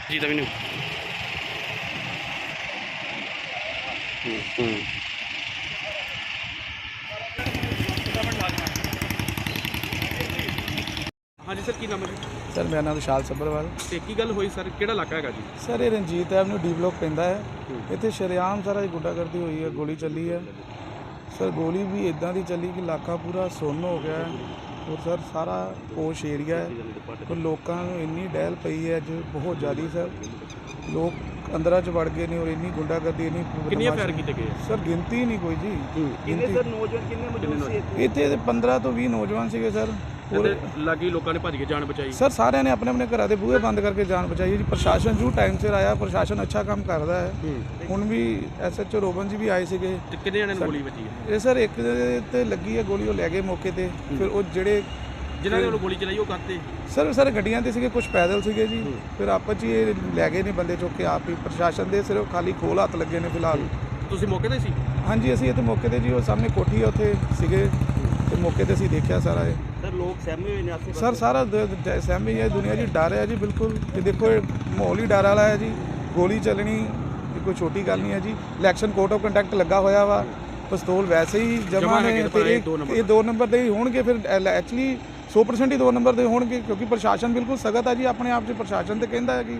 ਜੀ ਤਾਂ ਮੈਨੂੰ हाँ जी सर की नाम है सर मेरा नाम विशाल सब्बरवाल। ਤੇ ਕੀ ਗੱਲ ਹੋਈ ਸਰ ਕਿਹੜਾ ਇਲਾਕਾ ਹੈਗਾ ਜੀ सर ये रंजीत एवेन्यू डी ब्लॉक पैंदा है। इतने शरेआम सारा गुंडागर्दी हुई है, गोली चली है सर। गोली भी इदां दी चली कि इलाका पूरा सुन्न हो गया है और सर सारा पोश एरिया है और लोगों को इन्नी डहल पई है अज बहुत ज़्यादा सर। लोग अंदर च वड़ गए ने और इन्नी गुंडागर्दी इन्नी ਕਿੰਨੇ ਫਾਇਰ ਕੀਤੇ ਗਏ सर गिनती ही नहीं कोई जी। ਕਿੰਨੇ ਸਰ ਨੌਜਵਾਨ ਕਿੰਨੇ ਮੌਜੂਦ ਸੀ इतने 15 तो 20 नौजवान से सर। ਤੇ ਲਾਗੀ ਲੋਕਾਂ ਨੇ ਭੱਜ ਕੇ ਜਾਨ ਬਚਾਈ सर सारे ने अपने अपने घर के बूहे बंद करके जान बचाई जी। प्रशासन जरूर टाइम से आया, प्रशासन अच्छा काम करता है। ਹੁਣ ਵੀ SHO ਰੋਬਨ ਜੀ ਵੀ ਆਏ ਸੀਗੇ। ਤੇ ਕਿੰਨੇ ਜਣਿਆਂ ਨੂੰ ਗੋਲੀ ਵੱਜੀ ਹੈ ਇਹ ਸਰ ਇੱਕ ਤੇ ਲੱਗੀ ਹੈ ਗੋਲੀ, ਉਹ ਲੈ ਗਏ ਮੌਕੇ ਤੇ। ਫਿਰ ਉਹ ਜਿਹੜੇ ਜਿਨ੍ਹਾਂ ਨੇ ਗੋਲੀ ਚਲਾਈ ਉਹ ਕਰਤੇ ਸਰ ਗੱਡੀਆਂ ਤੇ ਸੀਗੇ, ਕੁਝ ਪੈਦਲ ਸੀਗੇ ਜੀ। ਫਿਰ ਆਪਸ 'ਚ ਹੀ ਇਹ ਲੈ ਗਏ ਨੇ ਬੰਦੇ ਚੁੱਕ ਕੇ ਆਪ ਹੀ। ਪ੍ਰਸ਼ਾਸਨ ਦੇ ਸਿਰਫ ਖਾਲੀ ਖੋਲ ਹੱਥ ਲੱਗੇ ਨੇ ਫਿਲਹਾਲ। ਤੁਸੀਂ ਮੌਕੇ ਤੇ ਸੀ? ਹਾਂਜੀ ਅਸੀਂ ਇੱਥੇ ਮੌਕੇ ਤੇ ਜੀ, ਉਹ ਸਾਹਮਣੇ ਕੋਠੀ ਹੈ ਉੱਥੇ ਸੀਗੇ ਤੇ ਮੌਕੇ ਤੇ ਅਸੀਂ ਦੇਖਿਆ ਸਾਰਾ ਇਹ। ਸਰ ਲੋਕ ਸਹਿਮੇ ਹੋਏ ਨੇ ਆਸੇ ਸਰ ਸਾਰਾ ਸਹਿਮੀ ਹੈ ਦੁਨੀਆ ਜੀ, ਡਰ ਹੈ ਜੀ ਬਿਲਕੁਲ। ਇਹ ਦੇਖੋ ਇਹ ਮਾਹੌਲ ਹੀ ਡਰ ਵਾਲਾ ਹੈ ਜੀ। ਗੋਲੀ ਚੱਲਣੀ ਇਹ ਕੋਈ ਛੋਟੀ ਗੱਲ ਨਹੀਂ ਹੈ ਜੀ। ਇਲੈਕਸ਼ਨ ਕੋਡ ਆਫ ਕੰਡਕਟ ਲੱਗਾ ਹੋਇਆ ਵਾ, ਪਿਸਤੌਲ ਵੈਸੇ ਹੀ ਜਮ੍ਹਾਂ ਨੇ ਤੇ ਇਹ 2 ਨੰਬਰ ਦੇ ਹੀ ਹੋਣਗੇ। ਫਿਰ ਐਕਚੁਅਲੀ 100% ਹੀ 2 ਨੰਬਰ ਦੇ ਹੋਣਗੇ ਕਿਉਂਕਿ ਪ੍ਰਸ਼ਾਸਨ ਬਿਲਕੁਲ ਸਖਤ ਹੈ ਜੀ ਆਪਣੇ ਆਪ 'ਚ। ਪ੍ਰਸ਼ਾਸਨ ਤੇ ਕਹਿੰਦਾ ਹੈ ਕਿ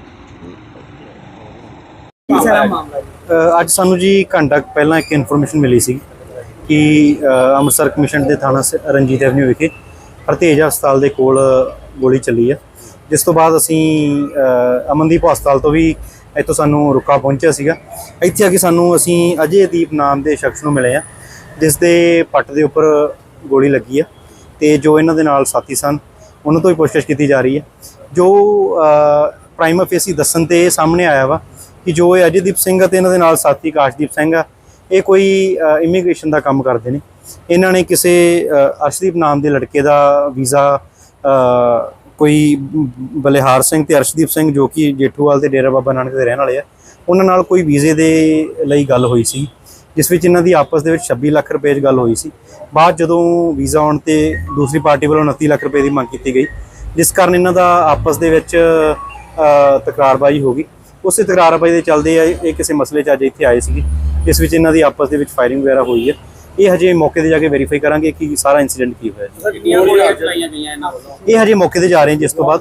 ਅੱਜ ਸਾਨੂੰ ਜੀ ਘੰਟਾ ਪਹਿਲਾਂ ਇੱਕ ਇਨਫੋਰਮੇਸ਼ਨ ਮਿਲੀ ਸੀ ਕਿ ਅੰਮ੍ਰਿਤਸਰ ਕਮਿਸ਼ਨ ਦੇ ਥਾਣਾ ਰਣਜੀਤ ਐਵਨਿਊ ਵਿਖੇ ਹਰਤੇਜ ਹਸਪਤਾਲ ਦੇ ਕੋਲ ਗੋਲੀ ਚੱਲੀ ਹੈ। ਜਿਸ ਤੋਂ ਬਾਅਦ ਅਸੀਂ ਅਮਨਦੀਪ ਹਸਪਤਾਲ ਤੋਂ ਵੀ ਇੱਥੋਂ ਸਾਨੂੰ ਰੁਕਾ ਪਹੁੰਚਿਆ ਸੀਗਾ। ਇੱਥੇ ਆ ਕੇ ਅਸੀਂ ਅਜੇਦੀਪ ਨਾਮ ਦੇ ਸ਼ਖਸ ਨੂੰ ਮਿਲੇ ਆ ਜਿਸ ਦੇ ਪੱਟ ਦੇ ਉੱਪਰ ਗੋਲੀ ਲੱਗੀ ਆ ਤੇ ਜੋ ਇਹਨਾਂ ਦੇ ਨਾਲ ਸਾਥੀ ਸਨ ਉਹਨਾਂ ਤੋਂ ਵੀ ਪੁੱਛਗਿੱਛ ਕੀਤੀ ਜਾ ਰਹੀ ਹੈ। ਜੋ ਪ੍ਰਾਈਮਾ ਫੇਸੀ ਦੱਸਣ ਤੇ ਸਾਹਮਣੇ ਆਇਆ ਵਾ ਕਿ ਜੋ ਇਹ ਅਜੇਦੀਪ ਸਿੰਘ ਅਤੇ ਇਹਨਾਂ ਦੇ ਨਾਲ ਸਾਥੀ ਕਾਸ਼ਦੀਪ ਸਿੰਘ ਆ, ਇਹ ਕੋਈ ਇਮੀਗ੍ਰੇਸ਼ਨ ਦਾ ਕੰਮ ਕਰਦੇ ਨੇ। ਇਹਨਾਂ ਨੇ ਕਿਸੇ ਅਰਸ਼ਦੀਪ ਨਾਮ ਦੇ ਲੜਕੇ ਦਾ ਵੀਜ਼ਾ ਕੋਈ ਬਲਿਹਾਰ ਸਿੰਘ ਤੇ ਅਰਸ਼ਦੀਪ ਸਿੰਘ ਜੋ ਕਿ ਜੇਠੂਵਾਲ ਤੇ ਡੇਰਾ ਬਾਬਾ ਨਾਨਕ ਦੇ ਰਹਿਣ ਵਾਲੇ ਆ, ਉਹਨਾਂ ਨਾਲ ਕੋਈ ਵੀਜ਼ੇ ਦੇ ਲਈ ਗੱਲ ਹੋਈ ਸੀ ਜਿਸ ਵਿੱਚ ਇਹਨਾਂ ਦੀ ਆਪਸ ਦੇ ਵਿੱਚ 26 ਲੱਖ ਰੁਪਏ 'ਚ ਗੱਲ ਹੋਈ ਸੀ। ਬਾਅਦ ਜਦੋਂ ਵੀਜ਼ਾ ਆਉਣ ਤੇ ਦੂਸਰੀ ਪਾਰਟੀ ਵੱਲੋਂ 29 ਲੱਖ ਰੁਪਏ ਦੀ ਮੰਗ ਕੀਤੀ ਗਈ, ਜਿਸ ਕਾਰਨ ਇਹਨਾਂ ਦਾ ਆਪਸ ਦੇ ਵਿੱਚ ਤਕਰਾਰਬਾਜ਼ੀ ਹੋ ਗਈ। ਉਸੇ ਤਕਰਾਰਬਾਜ਼ੀ ਦੇ ਚੱਲਦੇ ਆ ਇਹ ਕਿਸੇ ਮਸਲੇ 'ਚ ਅੱਜ ਇੱਥੇ ਆਏ ਸੀਗੇ ਜਿਸ ਵਿੱਚ ਇਹਨਾਂ ਦੀ ਆਪਸ ਦੇ ਵਿੱਚ ਫਾਇਰਿੰਗ ਵਗੈਰਾ ਹੋਈ ਹੈ। ਇਹ ਹਜੇ ਮੌਕੇ ਤੇ ਜਾ ਕੇ ਵੈਰੀਫਾਈ ਕਰਾਂਗੇ ਕਿ ਸਾਰਾ ਇਨਸੀਡੈਂਟ ਕੀ ਹੋਇਆ ਇਹ ਹਜੇ ਮੌਕੇ ਤੇ ਜਾ ਰਹੇ ਹਾਂ। ਜਿਸ ਤੋਂ ਬਾਅਦ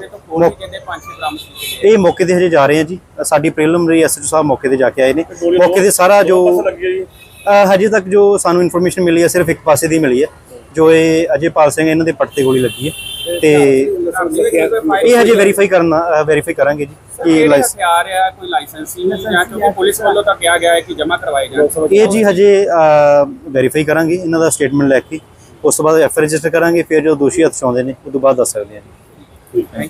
ਇਹ ਮੌਕੇ ਤੇ ਹਜੇ ਜਾ ਰਹੇ ਹਾਂ ਜੀ। ਸਾਡੀ ਪ੍ਰੀਲਿਮਿਨਰੀ SHO ਸਾਹਿਬ ਮੌਕੇ ਤੇ ਜਾ ਕੇ ਆਏ ਨੇ। ਮੌਕੇ ਤੇ ਸਾਰਾ ਜੋ ਹਜੇ ਤੱਕ ਜੋ ਸਾਨੂੰ ਇਨਫੋਰਮੇਸ਼ਨ ਮਿਲੀ ਹੈ ਸਿਰਫ ਇੱਕ ਪਾਸੇ ਦੀ ਮਿਲੀ ਹੈ, ਜੋ ਇਹ ਅਜੇਪਾਲ ਸਿੰਘ ਇਹਨਾਂ ਦੇ ਪੱਟ ਤੇ ਗੋਲੀ ਲੱਗੀ ਹੈ ਤੇ ਇਹ ਹਜੇ ਵੈਰੀਫਾਈ ਕਰਾਂਗੇ ਜੀ ਕਿ ਕੋਈ ਲਾਇਸੈਂਸ ਨਹੀਂ ਹੈ ਕਿਉਂਕਿ ਪੁਲਿਸ ਵੱਲੋਂ ਤਾਂ ਕਿਹਾ ਗਿਆ ਹੈ ਕਿ ਜਮ੍ਹਾਂ ਕਰਵਾਏ ਜਾਣ। ਇਹ ਜੀ ਹਜੇ ਵੈਰੀਫਾਈ ਕਰਾਂਗੇ ਇਹਨਾਂ ਦਾ ਸਟੇਟਮੈਂਟ ਲੈ ਕੇ। ਉਸ ਤੋਂ ਬਾਅਦ FIR ਰਜਿਸਟਰ ਕਰਾਂਗੇ। ਫਿਰ ਜੋ ਦੋਸ਼ੀ ਹੱਥ 'ਚ ਆਉਂਦੇ ਨੇ ਉਸ ਤੋਂ ਬਾਅਦ ਦੱਸ ਸਕਦੇ ਹਾਂ ਜੀ।